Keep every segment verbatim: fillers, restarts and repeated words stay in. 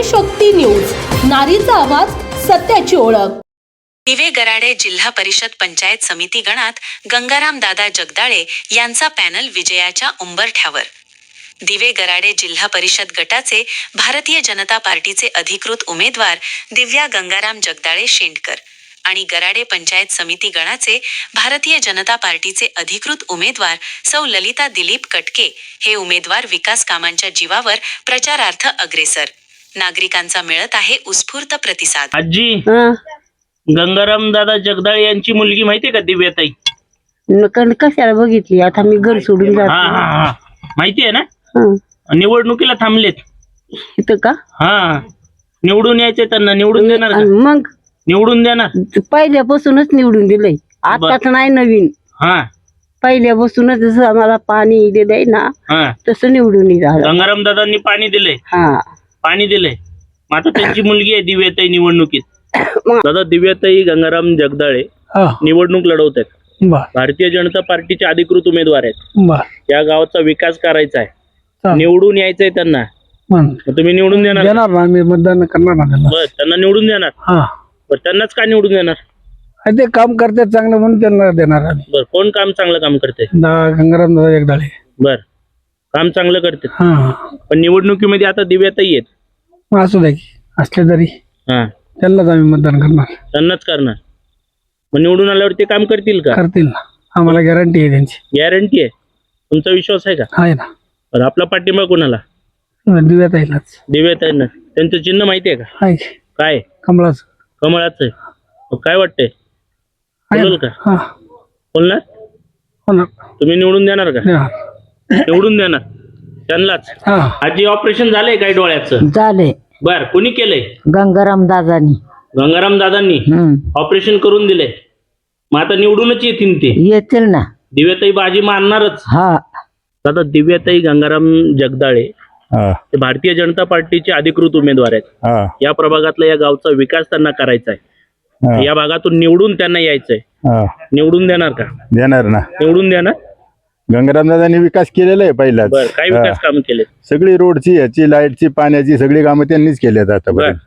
नारी शक्ती न्यूज, नारीचा आवाज, सत्याची ओळख. दिवे गराडे जिल्हा परिषद पंचायत समिती गणात गंगाराम दादा जगदाळे यांचा पॅनल विजयाच्या उंबरठ्यावर. दिवे गराडे जिल्हा परिषद गटाचे भारतीय जनता पार्टीचे अधिकृत उमेदवार दिव्या गंगाराम जगदाळे शेंडकर आणि गराडे पंचायत समिती गणाचे भारतीय जनता पार्टीचे अधिकृत उमेदवार सौ ललिता दिलीप कटके हे उमेदवार विकास कामांच्या जीवावर प्रचारार्थ अग्रेसर. नागरिकांचा मिळत आहे उत्स्फूर्त प्रतिसाद. आजी, गंगाराम दादा जगदाळे यांची मुलगी माहितीये का दिव्याताई? नकन कशाला बघितली? आता मी घर सोडून हा जातो. हा हा माहितीये ना? हं. निवडणुकीला थांबलेत. इथं का? हा, निवडून यायचे त्यांना. निवडून देणार का? आणि मग निवडून देणार. पहिल्यापासूनच निवडून दिलंय, आताच नाही नवीन. हा पहिल्यापासूनच जसं आम्हाला पाणी दिलंय ना हा तसं निवडून झालं. गंगाराम दादांनी पाणी दिलंय. हा पाणी दिलंय. मग आता त्यांची मुलगी आहे दिव्याताई निवडणुकीत. दादा, दिव्याताई गंगाराम जगदाळे निवडणूक लढवत आहेत. भारतीय जनता पार्टीचे अधिकृत उमेदवार आहेत. या गावाचा विकास करायचा आहे, निवडून यायचंय त्यांना. मग तुम्ही निवडून देणार? देणार ना, मी मतदान करणार ना त्यांना. बरं, त्यांना निवडून देणार. हा, बरं, त्यांनाच का निवडून देणार? ते काम करतात चांगलं म्हणून त्यांना देणार आम्ही. बरं, कोण काम चांगलं काम करते? गंगाराम दादा जगदाळे. बर, काम चांगलं करते. हा, पण निवडणुकीमध्ये आता दिव्याताई आहेत. मग असू द्या की असले तरी हा, त्यांनाच आम्ही मतदान करणार. त्यांनाच करणार. मग निवडून आल्यावर ते काम करतील का? करतील ना, आम्हाला गॅरंटी आहे त्यांची. गॅरंटी आहे? तुमचा विश्वास आहे का? आहे ना. बरं, आपला पाठिंबा कोणाला? दिव्यात आहेलाच. दिव्याताईंना. त्यांचं चिन्ह माहिती आहे का? आहे काय? कमळाच. कमळाचं आहे. मग काय वाटतंय, बोलल का? हा, बोलणार? होणार. तुम्ही निवडून देणार का? देणार. निवडून देणार त्यांनाच. हा, आजी, ऑपरेशन झालंय काय डोळ्याचं? झाले. बर, कोणी केलंय? गंगाराम दादानी. गंगाराम दादांनी ऑपरेशन करून दिले. मग आता निवडूनच येतील ते. येतील ना. दिव्याताई बाजी मारणारच. हा, दादा, दिव्याताई गंगाराम जगदाळे ते भारतीय जनता पार्टीचे अधिकृत उमेदवार आहेत. या प्रभागातला या गावचा विकास त्यांना करायचा आहे. या भागातून निवडून त्यांना यायचंय. निवडून देणार का? देणार ना. निवडून देणार. गंगाराम दादांनी विकास केलेला आहे पहिलाच. बरं, काय विकास काम केले? सगळी रोडची, याची, लाईटची, पाण्याची सगळी कामं त्यांनीच केली आता.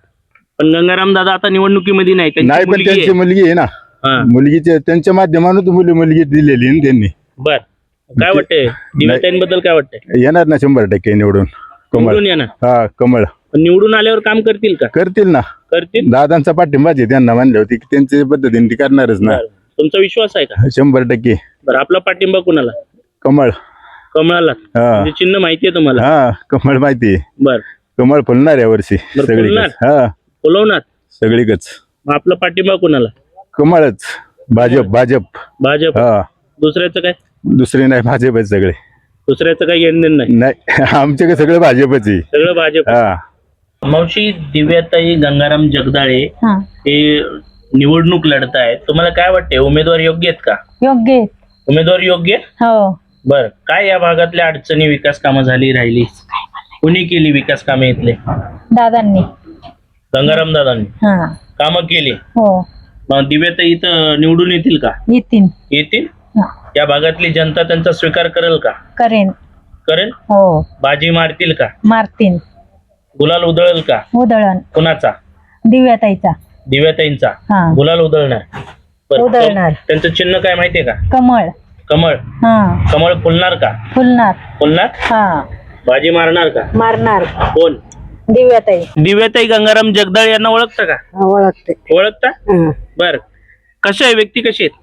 पण गंगाराम दादा आता निवडणुकीमध्ये नाही. नाही, पण त्यांची मुलगी आहे ना. मुलगीचे त्यांच्या माध्यमातून मुली मुलगी दिलेली ना त्यांनी. बर, काय वाटतंय दिव्याताईंबद्दल? काय वाटतंय? येणार ना शंभर टक्के निवडून. कमळ. येणार. हा, कमळ. निवडून आल्यावर काम करतील का? करतील ना. करतील. दादांचा पाठिंबाच आहे त्यांना. म्हणले होते की त्यांच्या पद्धतीने ती करणारच ना. तुमचा विश्वास आहे का? शंभर टक्के. बरं, आपला पाठिंबा कोणाला? कमळ. कमळाला. म्हणजे चिन्ह माहितीये तुम्हाला? हा, कमळ माहिती आहे. बर, कमळ फुलणार या वर्षी फुलणार? हा, फुलवणार सगळीकच. मग आपला पाठिंबा कोणाला? कमळच. भाजप. भाजप. भाजप. हा, दुसऱ्याचं काय? दुसरे नाही, भाजपच सगळे. दुसऱ्याचं काही घेणं नाही. नाही, आमचे सगळं भाजपच आहे. सगळं भाजप. हा. मावशी, दिव्याताई गंगाराम जगदाळे हे निवडणूक लढतायत. तुम्हाला काय वाटतंय, उमेदवार योग्य आहेत का? योग्य. उमेदवार योग्य? हो. बर, काय या भागातल्या अडचणी, विकास कामं झाली, राहिली? कोणी केली विकास कामे इथले? दादांनी. गंगाराम दादांनी हा, कामं केली. हो. मग दिव्याताई इथं निवडून येतील का? येतील. येतील. या भागातली जनता त्यांचा स्वीकार करेल का? करेन. करेल. हो. बाजी मारतील का? मारतील. गुलाल उधळेल का? उधळण. कुणाचा? दिव्याताईचा. दिव्याताईंचा. हा. गुलाल उधळणार. बरं, उधळणार. त्यांचं चिन्ह काय माहितीये का? कमळ. कमळ. हा, कमळ फुलणार का? फुलणार. फुलणार. हा, बाजी मारणार का? मारणार. कोण? दिव्याताई. दिव्याताई गंगाराम जगदाळे यांना ओळखता का? ओळखते. ओळखता. बर, कशा आहे, व्यक्ती कशी आहेत?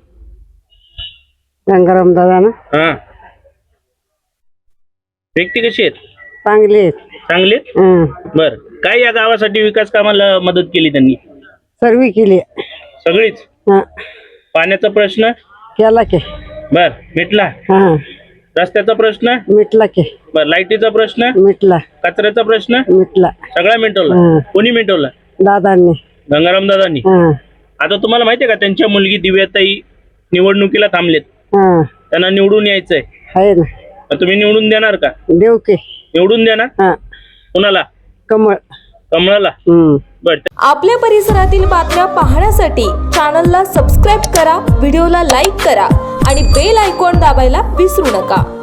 गंगाराम दादा ना. हा, व्यक्ती कशी आहेत? चांगले. चांगले. बर, काय या गावासाठी विकास कामाला मदत केली त्यांनी? सर्व केली. सगळीच. पाण्याचा प्रश्न केला की. बर, मिटला. रस्त्याचा प्रश्न मिटला की. बर, लाईटीचा प्रश्न मिटला. कचऱ्याचा प्रश्न मिटला. सगळा मिटवला. कोणी मिटवला? दादांनी. गंगाराम दादांनी. आता तुम्हाला माहितीये का, त्यांच्या मुलगी दिव्याताई निवडणुकीला थांबलेत. त्यांना निवडून यायचंय. आहे ना. तुम्ही निवडून देणार का? देऊ की. निवडून देणार. कुणाला? कमळ. कमळाला. बर. आपल्या परिसरातील बातम्या पाहण्यासाठी चॅनलला सबस्क्राईब करा, व्हिडिओला लाईक करा आणि बेल आयकॉन दाबायला विसरू नका.